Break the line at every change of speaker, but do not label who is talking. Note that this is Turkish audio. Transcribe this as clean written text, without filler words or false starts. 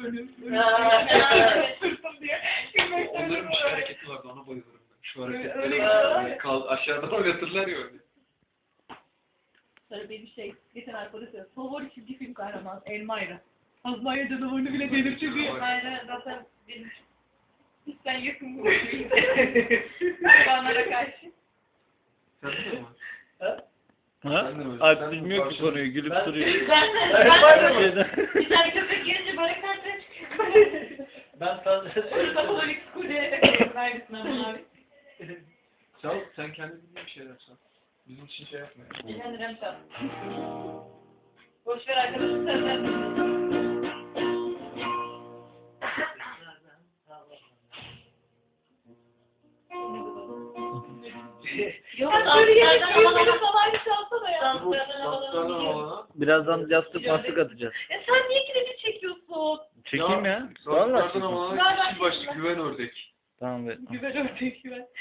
Sırtım diye.
Onların bir şey hareketi vardı, ona bayılırım ben. Şu hareketleri aşağıdan oynatırlar ya öyle.
Sonra benim geçen arkadaş söylüyor. Favori çizgi film kahraman Elmayra. Azmaya canavarını bile delirtiyor diye. Elmayra zaten benim hiçten yakın bu hayvanlara karşı.
Sen de mi?
Ha? Alp bilmiyor ki konuyu, gülüp duruyor.
Bir tane köpek gelince böyle karşıya çıkıyor.
Ben fazla
Kapalık kule. Neredesin Aman abi?
Çal, sen kendin bildiğin bir şeyler çal. Bizim için şey yapma ya.
Kendine çal. Boş ver arkadaşım senden. Yok, danslardan falan çalsana ya.
Danslardan alana.
Birazdan yastık mastık atacağız.
Ya sen niye kredi çekiyorsun?
Çekeyim ya.
Danslardan
Vallahi.
alana kişi başlı güven ördek.
Tamam be.
Güzel örnek güven.